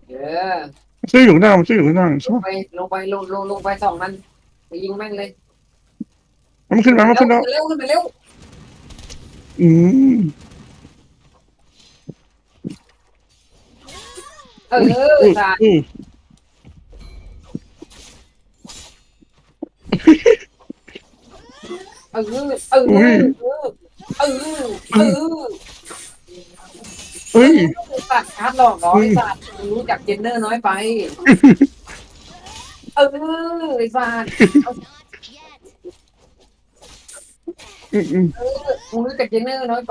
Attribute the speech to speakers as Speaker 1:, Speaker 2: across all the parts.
Speaker 1: เออ
Speaker 2: ชื่ออยู่ข้างหน้ามันชื่ออยู่ข้างหน้าใช่ปะ
Speaker 1: ลงไปลงไปสองมันไปยิงแม่งเลย
Speaker 2: มันขึ้นมามัน
Speaker 1: แล้ว
Speaker 2: ขึ้นแล้ว
Speaker 1: ขึ้นมาเร็วขึ้นมาเร็ว
Speaker 2: อืม
Speaker 1: เออ
Speaker 2: อุ้ยอุ้ย
Speaker 1: สัตว์
Speaker 2: อุ้ย
Speaker 1: เออเออ
Speaker 2: อุ้ย
Speaker 1: เออเออเออ
Speaker 2: อุ้ย
Speaker 1: สัตว์ชาร์จหลอกน้อ
Speaker 2: อุ้ย
Speaker 1: ยสัตว์รู้จักเจนเนอร์น้อยไปเออไอ้สัตว์
Speaker 2: อืมอืม
Speaker 1: เออมึงรู้จักเจนเนอร์น้อยไป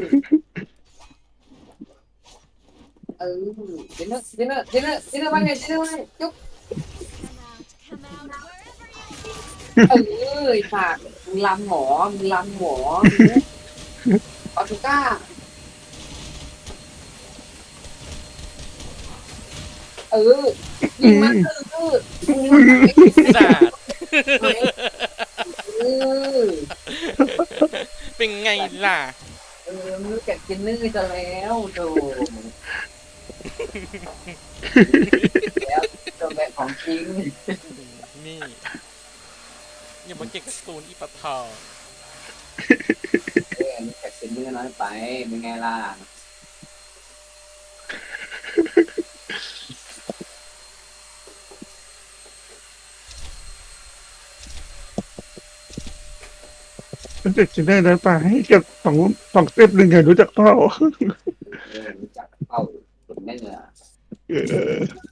Speaker 1: เออเจนเนอร์ว่าไงเจนเนอร์ว่าไงจุ๊บเออไอ้สัตว์มึงลำหมอมึงลำหมอมึงออตูก้าเออยิ
Speaker 2: อื
Speaker 1: งมัน
Speaker 2: ม
Speaker 1: เออมึงรู้จักไอ้
Speaker 3: สัตว์
Speaker 1: ไหมเออ
Speaker 3: เป็นไงล่ะ
Speaker 1: เออมึงรู้จักเจนเนอร์จะแล้วโธ่แล้วตัวแบบของจริง
Speaker 3: นี่อย่ามาเก่งกับตูนอีปะทอ
Speaker 1: เออรู้จักเจนเนอร์น้อยไปเป็นไงล่ะ
Speaker 2: รู้จักจะได้แล้วป่ะให้เก็บสองสเต็ปหนึ่งไงรู้จักเปล่า
Speaker 1: เออรู้จักเป้าสุดแน่เลย
Speaker 2: เออ